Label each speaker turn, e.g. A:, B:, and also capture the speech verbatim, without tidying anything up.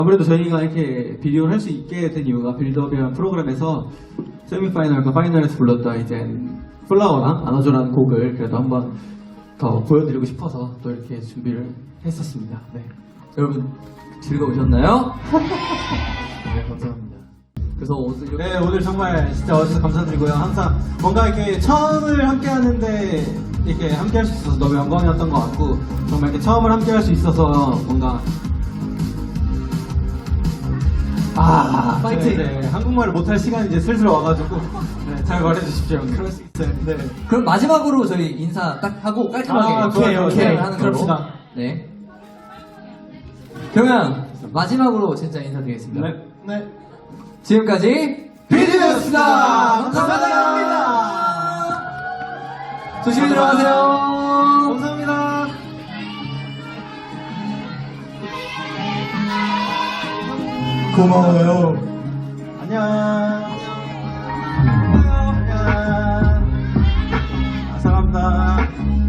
A: 아무래도 저희가 이렇게 비디오를 할 수 있게 된 이유가 빌드업이라는 프로그램에서 세미파이널과 파이널에서 불렀던 이제 플라워랑 안아줘라는 곡을 그래도 한번 더 보여드리고 싶어서 또 이렇게 준비를 했었습니다. 네.
B: 여러분 즐거우셨나요? 네, 감사합니다. 그래서 오늘 이렇게
A: 네, 오늘 정말 진짜 와주셔서 감사드리고요. 항상 뭔가 이렇게 처음을 함께 하는데 이렇게 함께 할 수 있어서 너무 영광이었던 것 같고, 정말 이렇게 처음을 함께 할 수 있어서 뭔가 아,
B: 파이팅!
A: 네, 네. 한국말을 못할 시간이 이제 슬슬 와가지고 네, 잘 말해주십시오. 그럴 수 있어요. 네.
B: 그럼 마지막으로 저희 인사 딱 하고 깔끔하게
A: 아, 오케이, 오케이.
B: 시작을 하는 걸로.
A: 그럽시다.
B: 네. 그러면 마지막으로 진짜 인사드리겠습니다.
A: 네. 네.
B: 지금까지
A: 비디오였습니다.
B: 감사합니다. 조심히 들어가세요.
A: 감사합니다.
C: 고마워요.
A: 안녕. 안녕. 아, 사랑합니다.